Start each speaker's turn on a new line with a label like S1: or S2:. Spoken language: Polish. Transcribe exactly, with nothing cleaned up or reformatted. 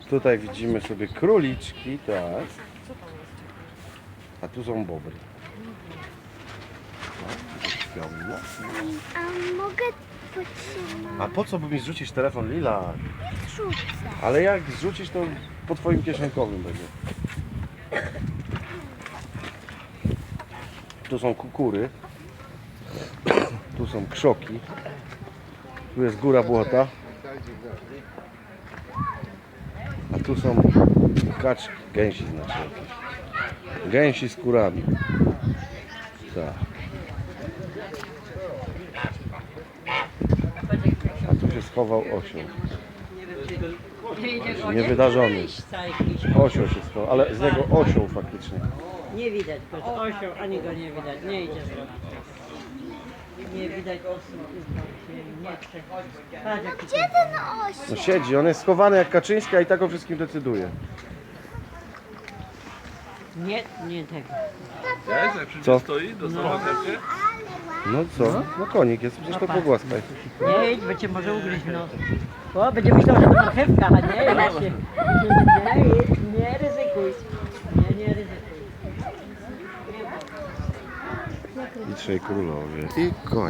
S1: Tutaj widzimy sobie króliczki, tak. A tu są bobry. No, no.
S2: A mogę potrzymać?
S1: A po co by mi zrzucić telefon, Lila?
S2: Rzucę.
S1: Ale jak zrzucić, to po twoim kieszonkowym będzie. Tu są kukury. Tu są krzoki. Tu jest góra błota. A tu są kaczki, gęsi znaczy jakieś. Gęsi z kurami. Tak. A tu się schował osioł. Niewydarzony. Osioł się schował, ale z niego osioł faktycznie.
S3: Nie widać go, to osioł, ani go nie widać, nie idzie z rogu. Nie widać osób, nie chce. Patrz jaki
S2: Gdzie ten osioł?
S1: No siedzi, on jest schowany jak Kaczyńska i tak o wszystkim decyduje.
S3: Nie, nie tego.
S4: Wiesz, jak wszędzie
S1: Co?
S4: stoi, dostał marchewkę?
S1: No co? No konik jest, przecież to pogłaskaj.
S3: Nie idź, bo cię może ugryźć w nos. O, będzie myślał, że to marchewka, a nie, ja się. Nie, nie ryzykuj. Nie, nie ryzykuj.
S1: I trzej królowie. I koń.